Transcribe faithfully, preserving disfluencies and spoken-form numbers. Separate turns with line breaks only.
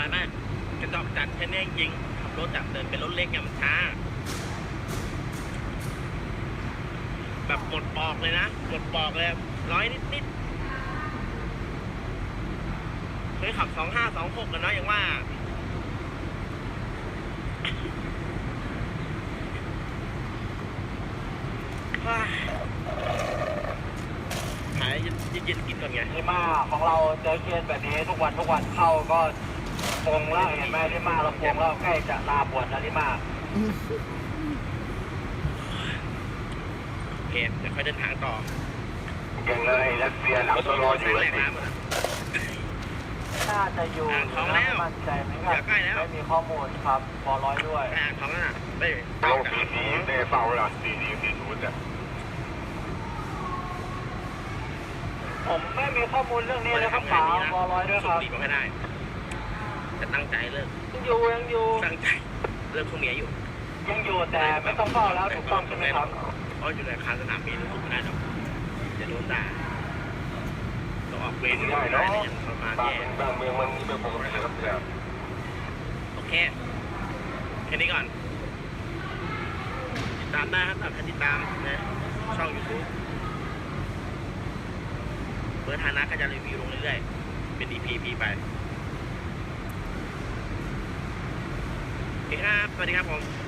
านนะกระจอกจัดแค่นี้จริงขับรถจับเดินเป็นรถเล็กเนี่ยมันช้าแบบหมดปอกเลยนะหมดปอกเลยร้อยนิดนิดเคยขับสองห้าสองหกกันเนาะอย่างว่าหายเย็นๆกินก่อนไง
ที่มาของเราเจอเคสแบบนี้ทุกวันทุกวันเข้าก็ปงแล้วเห็นไหมที่มาเราปงแล้วใกล้จะลาบวชแล้วที่มา
โอเคเดี๋ยวค่อยเดินทางต่อ
ยังเลยรัสเซียหลังตัวรออยู่เลยน่าจะอยู่
ท้องแล้ว
มั่นใจไหมครับ
ใกล้แล้ว
ไม่มีข้อมูลครับบอร้อยด้วย
อ่างท้องแล้วน่ะได้
ลงสีนี้ได้เฝ้าแล้วสีนี้สีนู้นเนี่ยผมไม่มีข้อมูลเรื่องนี้เลยครับป๋าบอร้อยด้วยครับ
สูบบุหรี่ก็ไม่ได้จะตั้งใจเลิก
ยังอยู่ยังอยู่
ตั้งใจเลิกพวกเมียอยู่
ยังอยู่แต่ไม่ต้องเฝ้าแล้วถูกต้องใช่ไหมครับ
เพราะอยู่ในอาคารสนามบินสูบไม่ได้หรอกจะโดนด่าต้องออกเวรได้เนาะประมาณแย่
บางเมืองมันเป็นปกติครับเนี่ย
โอเคแค่นี้ก่อนติดตามได้ครับตามติดตามนะช่องยูทูบเปิดฐานะก็จะรีวิวลงเรื่อยๆเป็น อี พี พีไปโอเคครับสวัสดีครับผม